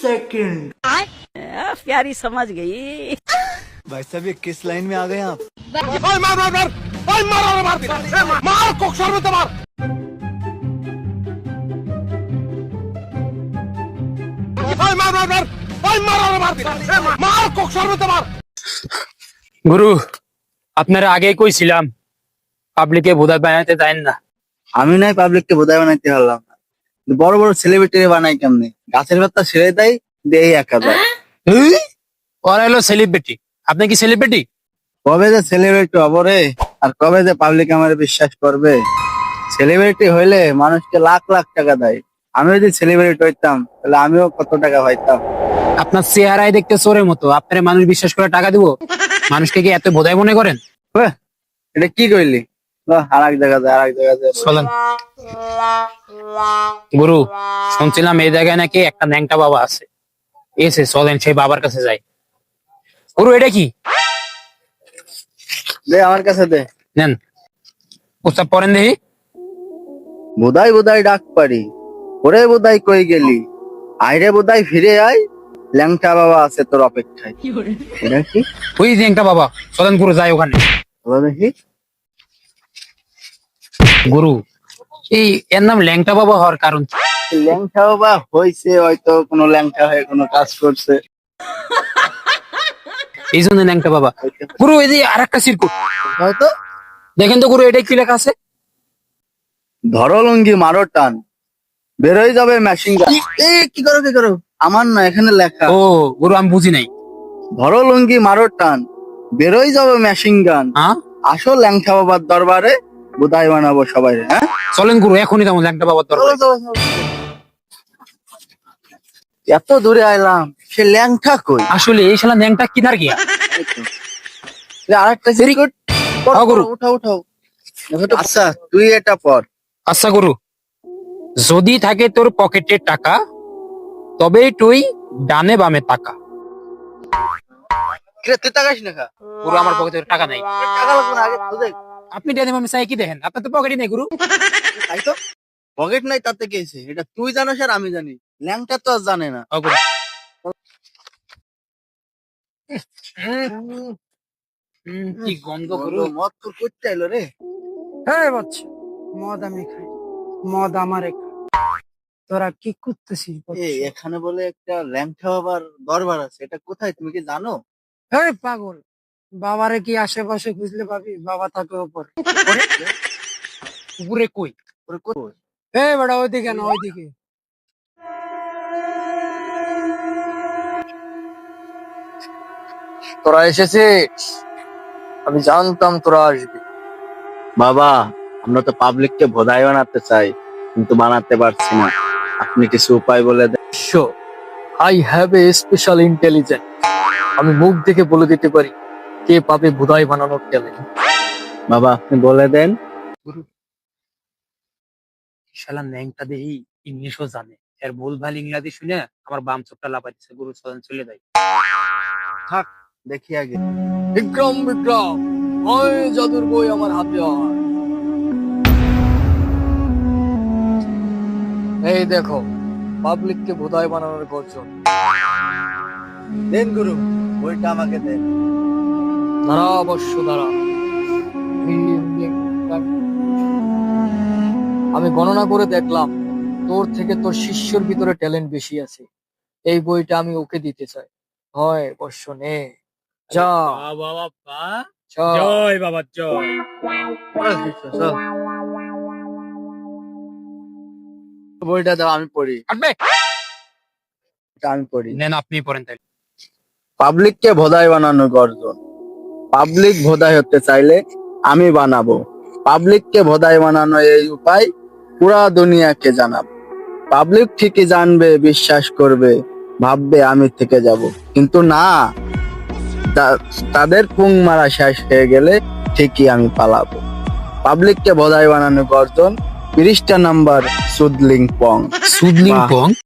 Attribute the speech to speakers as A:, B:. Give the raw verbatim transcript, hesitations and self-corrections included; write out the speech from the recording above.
A: Second.
B: प्यारी समझ गई।
A: भाई साहब ये किस लाइन में आ गए आप?
C: मार मार मार मार मार मार मार मार कोक्सर में मार मार मार मार मार मार मार कोक्सर में मार।
D: গুরু আপনারা আগেই কইছিলাম পাবলিকে বোধহয় বানাইতে দেন না।
E: আমি নাই পাবলিককে বোধাই বানাইতে পারলাম না, বড় বড় সেলিব্রিটি বানাই কেমনে? গাছের পাতা ছেড়ে দেয় দেই একা যায়।
D: ওরা হলো সেলিব্রিটি, আপনি কি সেলিব্রিটি?
E: কবে যে সেলিব্রিটি হবো রে, আর কবে যে পাবলিক আমার বিশ্বাস করবে? সেলিব্রিটি হইলে মানুষকে লাখ লাখ টাকা দেয়, আমি যদি সেলিব্রিটি হইতাম তাহলে আমিও কত টাকা পাইতাম।
D: আপনার চেহারায় দেখতে চোরের মতো, আপনার মানুষ বিশ্বাস করে টাকা দিব? মানুষকে কি এত বোধাই মনে করেন?
E: হ্যাঁ, এটা কি কইলি? আর এক জায়গা যায়, আর এক জায়গা যায়।
D: চলেন গুরু, শুনছিলাম এই জায়গায় নাকি একটা ন্যাংটা বাবা আছে, এসে চলেন সেই বাবার কাছে যাই। গুরু এটা কি?
E: দে আমার কাছে দে।
D: নেন, প্রস্তাব পড়েন দেখি।
E: বোধাই বোধাই ডাক পারি, ওরে বোধাই কই গেলি, আইরে বোধাই ফিরে আয়, ল্যাংটা বাবা আছে তোর অপেক্ষায়। এটা কি?
D: ওই ন্যাংটা বাবা, চলেন গুরু যাই ওখানে।
E: বলো দেখি।
D: গুরু এই এর নাম ল্যাংটা বাবা হওয়ার কারণ কি?
E: ল্যাংটা বাবা হয়েছে হয়তো কোনো ল্যাংটা হয়ে কোনো কাজ করছে,
D: এই জন্য ল্যাংটা বাবা। গুরু এই যে আর একটা সিরকুট
E: হয়তো।
D: দেখেন তো গুরু, এটা কি লেখা আছে?
E: ধরো লুঙ্গি মারো টান, বেরোয় যাবে মেশিন গান। এ কি করো কি করো, আমার না এখানে লেখা।
D: ও গুরু আমি বুঝি নাই।
E: ধরো লুঙ্গি মারো টান, বেরোয় যাবে মেশিন গান।
D: হ্যাঁ,
E: আসো ল্যাংটা বাবার দরবারে, বোধাই বানাবো সবাই। হ্যাঁ
D: চলেন গুরু এখনই তেমন ল্যাংটা বাবার দরকার।
E: এত দূরে আইলাম, সে ল্যাংটা কই?
D: আসলে এই শালা ল্যাংটা কিনার গিয়া।
E: আর একটা সিরিকুট
D: হ্যাঁ গুরু।
E: উঠাও উঠাও। আচ্ছা তুই এটা পর।
D: আচ্ছা গুরু, যদি থাকে তোর পকেটে টাকা, তবে তুই ডানে বামে টাকা।
E: কিরে তুই টাকাস না খা?
D: গুরু আমার পকেটে টাকা নাই।
E: টাকা লাগবে না, আগে তো দেখ।
D: আপনি ডানে বামে চাই কি দেখেন? আপনার তো পকেটে নেই গুরু।
E: তাই তো, পকেট নাই তাতে কি হয়েছে? এটা তুই জানোস আর আমি জানি, ল্যাংটা তো আর জানে না।
D: ও গুরু। হুম, কি গন্ধ গুরু।
E: মদ তোর করতে এলো রে।
F: হ্যাঁ বাচ্চা, মদ আমি খাই, মদ আমারে খাই। তোরা কি করতেছিস?
E: এ এখানে বলে একটা ল্যাংটা বাবার দরবার আছে, এটা কোথায় তুমি কি জানো?
F: হ্যাঁ পাগল, বাবারে কি আশেপাশে খুঁজলে পাবি? বাবা থাকে ওপরে।
D: উপরে কই?
E: ওরে কই?
F: এই বেটা ওইদিকে না, ওইদিকে।
E: তোরা এসেছিস, আমি জানতাম তোরা আসবি। বাবা আমরা তো পাবলিককে বোধাই বানাতে চাই, কিন্তু বানাতে পারছি না, আপনি কিছু উপায় বলে দেন।
G: I have a special intelligence. আমি মুখ দেখে বলে দিতে পারি কে পাবে বোধাই বানানোর ট্যালেন্ট।
E: বাবা আপনি বলে দেন।
D: শালা ন্যাংটা দেহি ইংলিশও জানে, এর ভুল ভাল ইংরাজি শুনে আমার বাম চোখটা লাফাইছে। গুরু চলেন চলে যাই।
E: থাক দেখি আগে।
G: বিক্রম বিক্রম, ওই জাদুর বই আমার হাতে আয়। এই দেখো পাবলিককে বোধাই বানানোর গর্জন।
E: দেন গুরু, বইটা আমাকে দেন।
G: দাঁড়া অবশ্য দাঁড়া, আমি গণনা করে দেখলাম তোর থেকে তোর শিষ্যর ভিতরে ট্যালেন্ট বেশি আছে, এই বইটা আমি ওকে দিতে চাই। হয় অবশ্য নে, যা
D: বাবা
G: যা।
D: জয় বাবা জয়।
E: বইটা দাও আমি পড়ি।
D: কাটবে।
E: এটা আমি পড়ি।
D: নেন আপনি পড়েন তাই।
E: পাবলিককে বোধাই বানানোর গর্জন। পাবলিক বোধাই হতে চাইলে আমি বানাবো, পাবলিককে বোধাই বানানো এই উপায় পুরা দুনিয়াকে জানাবো। পাবলিক ঠিকই জানবে, বিশ্বাস করবে, ভাববে আমি থেকে যাব, কিন্তু না, তা- তাদের পুং মারা শেষ হয়ে গেলে ঠিকই আমি পালাবো। পাবলিককে বোধাই বানানো গর্জন, তিরিশটা নাম্বার সুদলিং পং।
D: সুদলিং
E: বাহ।
D: পং